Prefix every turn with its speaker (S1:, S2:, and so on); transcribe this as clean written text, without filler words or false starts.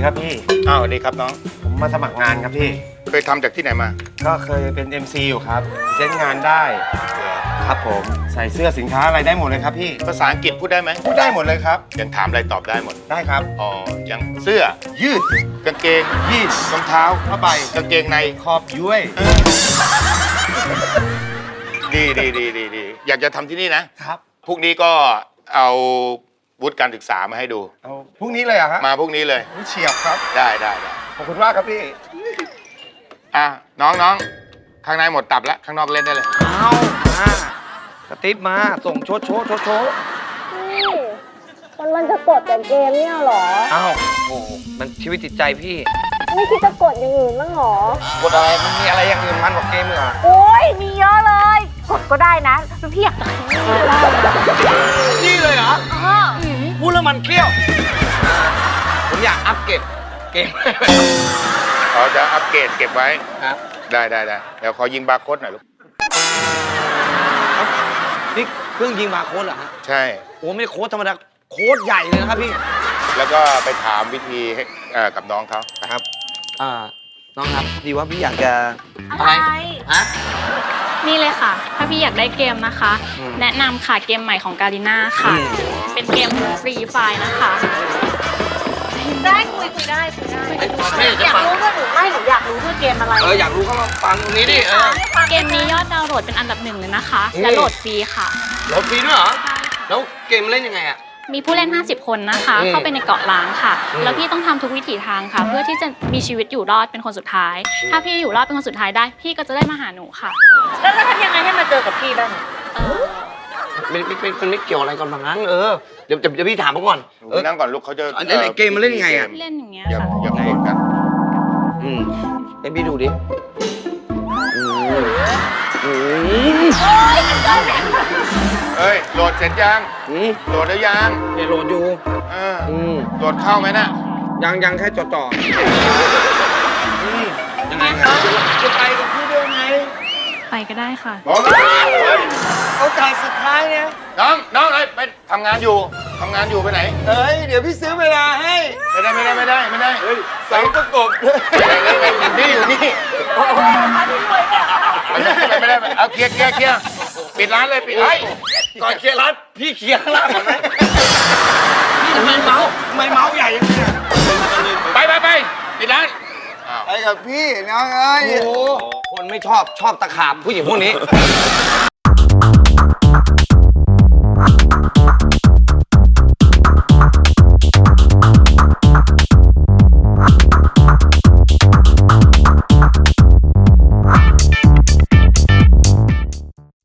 S1: ครับพี่
S2: อ้าวสวัสดีครับน้อง
S1: ผมมาสมัครงานครับพี่
S2: เคยทำจากที่ไหนมา
S1: ก็เคยเป็น MC อยู่ครับเซ็นงานได้ครับผมใส่เสื้อสินค้าอะไรได้หมดเลยครับพี่
S2: ภาษาอังกฤษพูดได้ไหม
S1: พูดได้หมดเลยครับ
S2: ยังถามอะไรตอบได้หมด
S1: ได้ครับ
S2: อ๋อยังเสื้อ
S1: ยืด
S2: กางเกง
S1: ยีน
S2: รองเท้า
S1: ผ้าใบ
S2: กางเกงใน
S1: ขอบย้วย
S2: ดีอยากจะทำที่นี่นะครับพรุ่งนี้ก็เอาวุฒิการศึกษามาให้ดู
S1: เอาพรุ่งนี้เลยอะครับ
S2: มาพรุ่งนี้เลย
S1: เฉียบครับ
S2: ได้
S1: ขอบคุณมากครับพี่
S2: น้องข้างในหมดตับแล้วข้างนอกเล่นได้เลย
S1: เอามาสติ๊ปมาส่งโชว์
S3: มันจะกดแต่เกมเนี่ยหรอ
S1: อ้าวโอ้มันชีวิตจิตใจพี่
S3: ไม่คิดจะกดอย่างอื่นบ้างหร
S1: อกดอะไรมันมีอะไรอย่างอื่นมันกว่าเกมเหรอ
S3: โอ้ยมีเยอะเลยกดก็ได้นะพี่อยากจะ
S1: นี่เลยเหรอพูดแล้วมันเขี้ยวผมอยากอัปเกรดเกม
S2: เขาจะอัปเกรดเก็บไว้
S1: ครับ
S2: ได้เดี๋ยวขอยิงบาร์โค้ดหน่อยลูก
S1: นี่เครื่องยิงบาร์โค้ดเหรอฮะ
S2: ใช่
S1: โอ้ไม่ได้โค้ดธรรมดาโค้ดใหญ่เลยนะครับพี่
S2: แล้วก็ไปถามวิธีกับน้องเขา
S1: ครับน้องครับดีว่าพี่อยากจะ
S3: อะไร
S1: ฮะ
S4: นี่เลยค่ะถ้าพี่อยากได้เกมนะคะ แนะนำค่ะเกมใหม่ของการีน่าค่ะเป็นเกมฟรีไฟล์นะคะ
S3: ได้คุยได้อยากรู้ว่าหนูอยากรู้ว่าเกมอะไร
S1: อยากรู้ก็มาฟังตรงนี้ดิ
S4: เกมนี้ยอดดาวน์โหลดเป็นอันดับ1เลยนะคะและโหลดฟรีค่ะ
S1: โหลดฟรีด้วยเหรอแล้วเกมเล่นยังไงอะ
S4: มีผู้เล่น50คนนะคะเข้าไปในเกาะล้างค่ะแล้วพี่ต้องทำทุกวิถีทางค่ะเพื่อที่จะมีชีวิตอยู่รอดเป็นคนสุดท้ายถ้าพี่อยู่รอดเป็นคนสุดท้ายได้พี่ก็จะได้มาหาหนูค่ะ
S3: แล้วทำยังไงให้มาเจอกับพี่บ้าง
S1: มันไม่เกี่ยวอะไรกันบางงั้นเดี๋ยวพี่ถามเขาก่อน
S2: นั่งก่อนลูกเขาจะ
S1: เกมมันเล่นยังไงอะ
S4: เล่นอย่างเงี้ย
S2: ค่ะอย่าโกรธกัน
S1: ให้พี่ดูดิ
S2: เฮ้ยโหลดเสร็จยังโหลดแล้วยัง
S1: เนี่ยโหลดอยู่
S2: โหลดเข้าไหมน่ะ
S1: ยังแค่จ่อยังไงครับจะไปกับพี่ด้วยไหม
S4: ไปก็ได้ค่ะ
S1: โอกาสสุดท้ายเนี่ย
S2: น้องไปทำงานอยู่ไปไหน
S1: เดี๋ยวพี่ซื้อเวลาให้
S2: ไม่ได้
S1: เสาประกบ
S2: อยู่นี่ไม่ได้เอาเคลียร์ปิดร้านเลยปิด
S1: ก่อนเคลียร์ร้านพี่เคลียร์ข้างล่างก่อนไหมพี่ทำไมเมาส์ใหญ่ยังไง
S2: ไปปิดร้าน
S1: ไปกับพี่น้องเอ้ยโอ้คนไม่ชอบตะขาบผู้หญิงพวกนี้